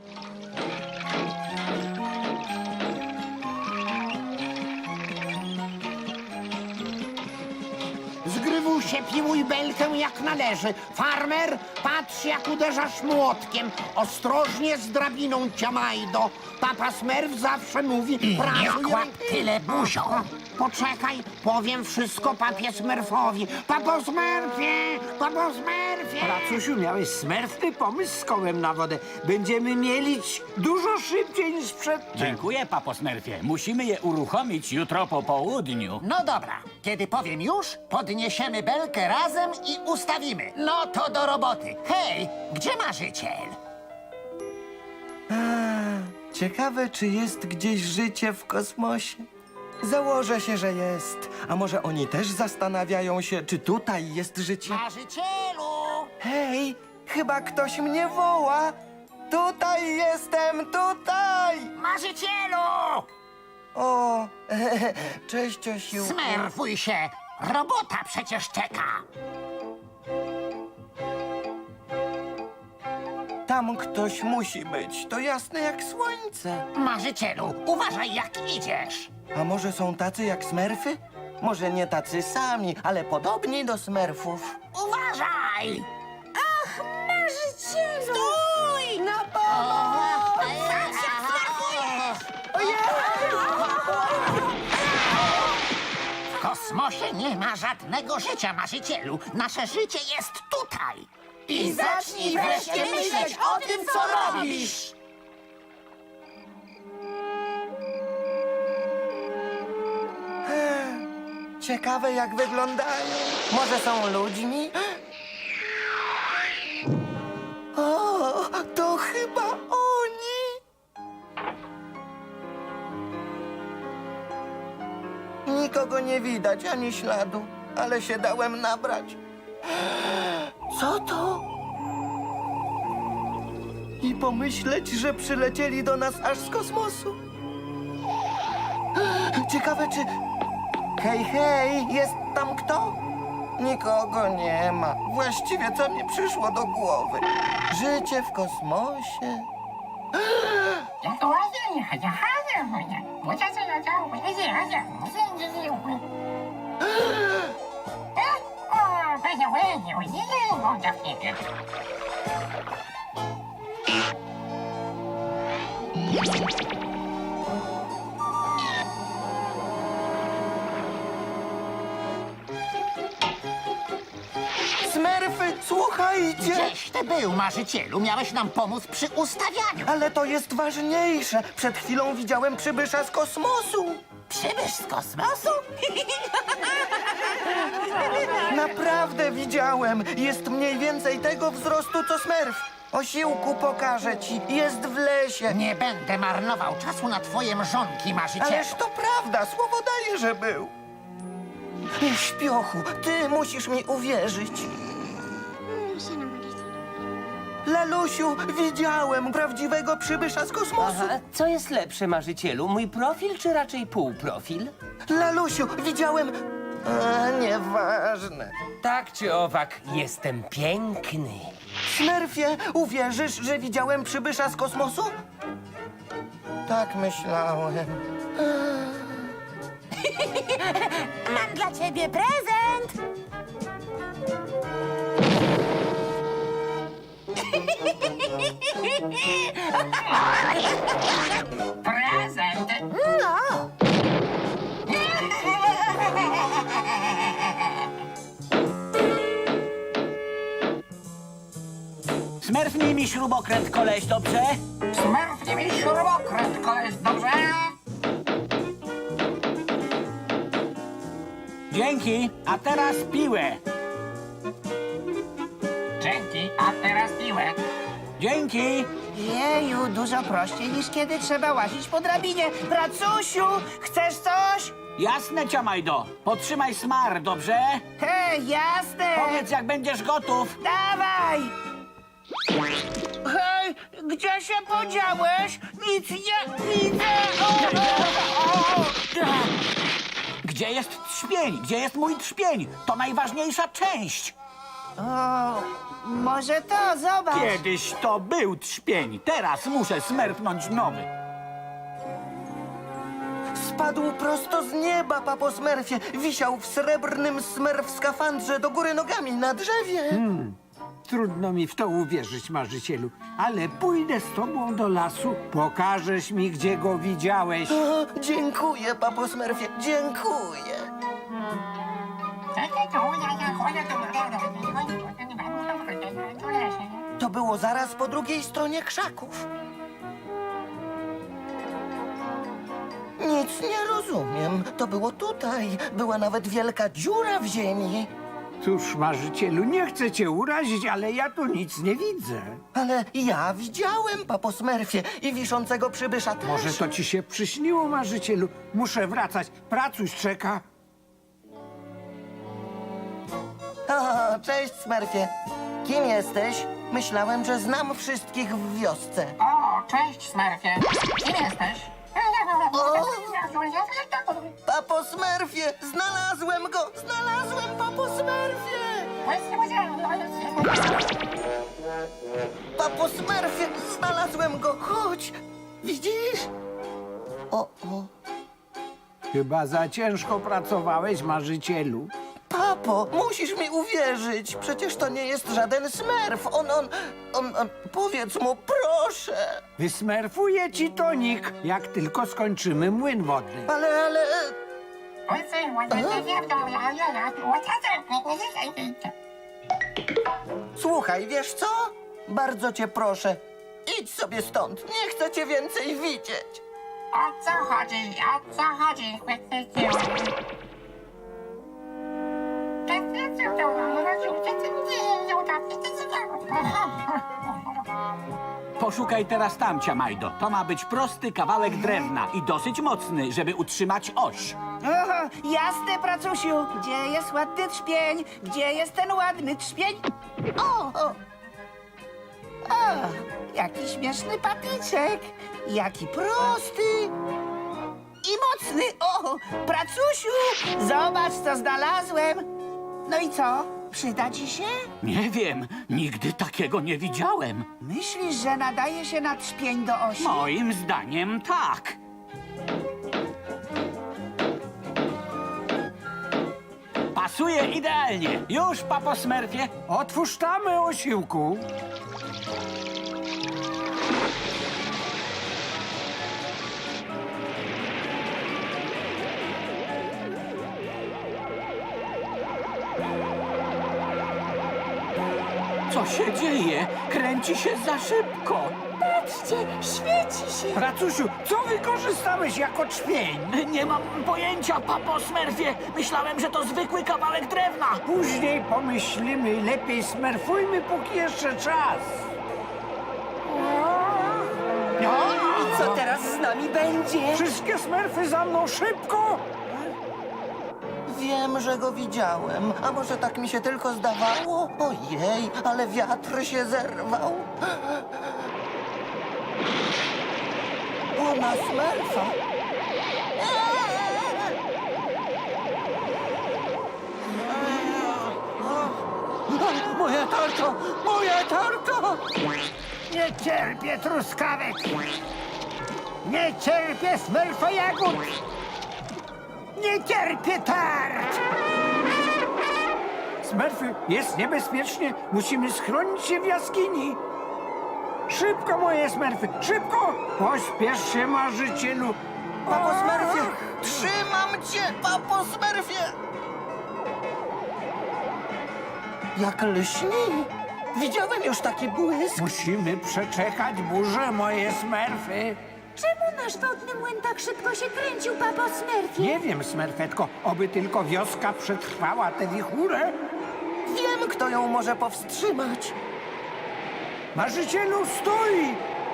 Zgrywusie, piłuj belkę jak należy. Farmer, patrz jak uderzasz młotkiem. Ostrożnie z drabiną, ciamajdo. Papa Smerf zawsze mówi... Nie kłap tyle buzią. Poczekaj, powiem wszystko papie Smerfowi. Papo Smerfie! Papo Smerfie! Racusiu, miałeś smerfny pomysł z kołem na wodę. Będziemy mielić dużo szybciej niż przedtem. Dziękuję, papo Smerfie. Musimy je uruchomić jutro po południu. No dobra, kiedy powiem już, podniesiemy belkę razem i ustawimy. No to do roboty. Hej, gdzie marzyciel? Ciekawe, czy jest gdzieś życie w kosmosie? Założę się, że jest. A może oni też zastanawiają się, czy tutaj jest życie? Marzycielu! Hej, chyba ktoś mnie woła. Tutaj jestem, tutaj! Marzycielu! O, cześć, Osiłku. Smerfuj się! Robota przecież czeka! Tam ktoś musi być, to jasne jak słońce. Marzycielu, uważaj jak idziesz! A może są tacy jak smerfy? Może nie tacy sami, ale podobni do smerfów. Uważaj! Marzycielu! Stój! Na pomoc! Patrz jak smerfujesz! W kosmosie nie ma żadnego życia, marzycielu. Nasze życie jest tutaj. I zacznij wreszcie myśleć o tym, co robisz. Ciekawe jak wyglądają. Może są ludźmi? O, to chyba oni. Nikogo nie widać, ani śladu, ale się dałem nabrać. Co to? I pomyśleć, że przylecieli do nas aż z kosmosu. Ciekawe, czy... Hej, hej, jest tam kto? Nikogo nie ma. Właściwie co mi przyszło do głowy? Życie w kosmosie? Smerfy, słuchajcie! Gdzieś ty był, marzycielu. Miałeś nam pomóc przy ustawianiu. Ale to jest ważniejsze. Przed chwilą widziałem przybysza z kosmosu. Przybysz z kosmosu? Naprawdę widziałem. Jest mniej więcej tego wzrostu, co smerf. Osiłku, pokażę ci. Jest w lesie. Nie będę marnował czasu na twoje mrzonki, marzycielu. Ależ to prawda, słowo daję, że był. Śpiochu, ty musisz mi uwierzyć. Lalusiu, widziałem prawdziwego przybysza z kosmosu. Aha, co jest lepsze, marzycielu? Mój profil czy raczej półprofil? Lalusiu, widziałem... nieważne. Tak czy owak, jestem piękny. Smerfie, uwierzysz, że widziałem przybysza z kosmosu? Tak myślałem. Mam dla ciebie prezent! Prezent! No! Smerfnij mi śrubokręt, koleś, dobrze? Smerfnie mi śrubokręt, koleś, dobrze? Dzięki, a teraz piłę. Dzięki, a teraz piłę. Dzięki. Jeju, dużo prościej niż kiedy trzeba łazić po drabinie. Pracusiu, chcesz coś? Jasne, ciamajdo. Potrzymaj smar, dobrze? Hej, jasne! Powiedz, jak będziesz gotów. Dawaj! Hej, gdzie się podziałeś? Nic nie widzę! Gdzie jest trzpień? Gdzie jest mój trzpień? To najważniejsza część. O, może to, zobacz. Kiedyś to był trzpień, teraz muszę smerfnąć nowy. Spadł prosto z nieba, papo Smurfie. Wisiał w srebrnym Smurf skafandrze do góry nogami na drzewie. Trudno mi w to uwierzyć, marzycielu, ale pójdę z tobą do lasu. Pokażesz mi, gdzie go widziałeś. O, dziękuję, papo Smurfie, dziękuję. To było zaraz po drugiej stronie krzaków. Nic nie rozumiem. To było tutaj. Była nawet wielka dziura w ziemi. Cóż, marzycielu, nie chcę cię urazić, ale ja tu nic nie widzę. Ale ja widziałem, papo Smurfie, i wiszącego przybysza też. Może to ci się przyśniło, marzycielu? Muszę wracać. Pracuś czeka. O, cześć, Smurfie. Kim jesteś? Myślałem, że znam wszystkich w wiosce. O, cześć, Smurfie. Kim jesteś? Papo Smurfie, znalazłem go! Znalazłem papo Smurfie! Papo Smurfie, znalazłem go! Chodź! Widzisz? O. Chyba za ciężko pracowałeś, marzycielu. Papo, musisz mi uwierzyć. Przecież to nie jest żaden Smurf. On, powiedz mu, proszę. Wysmerfuję ci tonik, jak tylko skończymy młyn wodny. Ale... Słuchaj, wiesz co? Bardzo cię proszę. Idź sobie stąd. Nie chcę cię więcej widzieć. O co chodzi? O co chodzi? Poszukaj teraz tam, Ciamajdo. To ma być prosty kawałek drewna i dosyć mocny, żeby utrzymać oś. Oho, jasne, pracusiu. Gdzie jest ładny trzpień? Gdzie jest ten ładny trzpień? O! Jaki śmieszny patyczek. Jaki prosty. I mocny. O, pracusiu, zobacz, co znalazłem. No i co? Przyda ci się? Nie wiem, nigdy takiego nie widziałem. Myślisz, że nadaje się na trzpień do osi? Moim zdaniem tak. Pasuje idealnie. Już, papo Smurfie. Otwórz tamę, osiłku. Co się dzieje? Kręci się za szybko. Patrzcie, świeci się. Pracusiu, co wykorzystałeś jako trzpień? Nie mam pojęcia, papo Smurfie. Myślałem, że to zwykły kawałek drewna. Później pomyślimy, lepiej smerfujmy, póki jeszcze czas. No i co teraz z nami będzie? Wszystkie smerfy za mną, szybko! Wiem, że go widziałem. A może tak mi się tylko zdawało? Ojej, ale wiatr się zerwał. O, na Smurfa. Moja tarcza! Moja tarcza! Nie cierpię truskawek! Nie cierpię smerfa jagód! Nie cierpię tart! Smerfy, jest niebezpiecznie! Musimy schronić się w jaskini! Szybko, moje smerfy! Szybko! Pośpiesz się, marzycielu! Papo Smurfie! Trzymam cię, papo Smurfie! Jak lśni! Widziałem już taki błysk. Musimy przeczekać burzę, moje smerfy! Czemu nasz wodny młyn tak szybko się kręcił, papo Smurfie? Nie wiem, smerfetko, oby tylko wioska przetrwała tę wichurę. Wiem, kto ją może powstrzymać. Marzycielu, stój!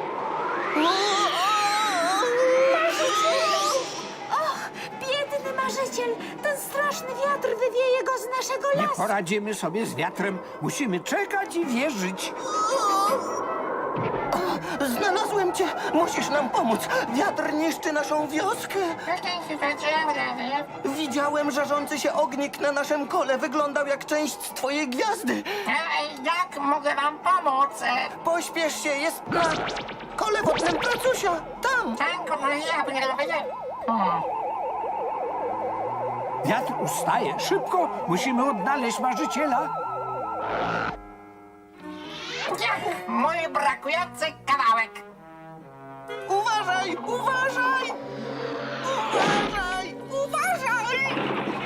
Och, biedny marzyciel. Ten straszny wiatr wywieje go z naszego Nie lasu. poradzimy sobie z wiatrem. Musimy czekać i wierzyć. Znalazłem Błagam cię, musisz nam pomóc. Wiatr niszczy naszą wioskę. Widziałem żarzący się ognik na naszym kole. Wyglądał jak część twojej gwiazdy. Jak mogę wam pomóc? Pośpiesz się, jest na kole wodnym Pracusia. Tam. Wiatr ustaje. Szybko, musimy odnaleźć marzyciela. Mój brakujący kawałek. Uważaj, uważaj! Uważaj, uważaj!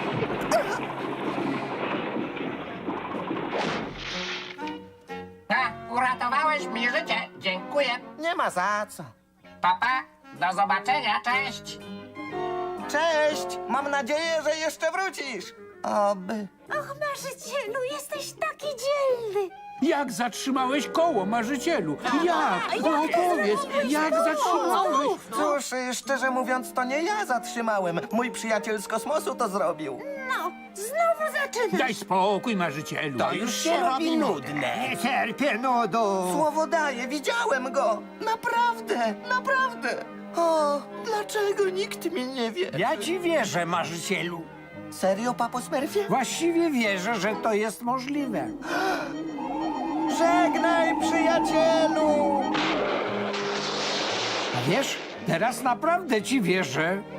Uratowałeś mi życie. Dziękuję. Nie ma za co. Papa, do zobaczenia, cześć. Cześć! Mam nadzieję, że jeszcze wrócisz. Oby. Och, marzycielu, jesteś taki dzielny. Jak zatrzymałeś koło, marzycielu? Jak? No opowiedz, jak zatrzymałeś? Cóż, szczerze mówiąc, to nie ja zatrzymałem. Mój przyjaciel z kosmosu to zrobił. No, znowu zaczynasz. Daj spokój, marzycielu. To już się robi nudne. Nie cierpię nudu. Słowo daję, widziałem go. Naprawdę, naprawdę. O, dlaczego nikt mi nie wie? Ja ci wierzę, marzycielu. Serio, papo Smurfie? Właściwie wierzę, że to jest możliwe. Żegnaj, przyjacielu! A wiesz, teraz naprawdę ci wierzę.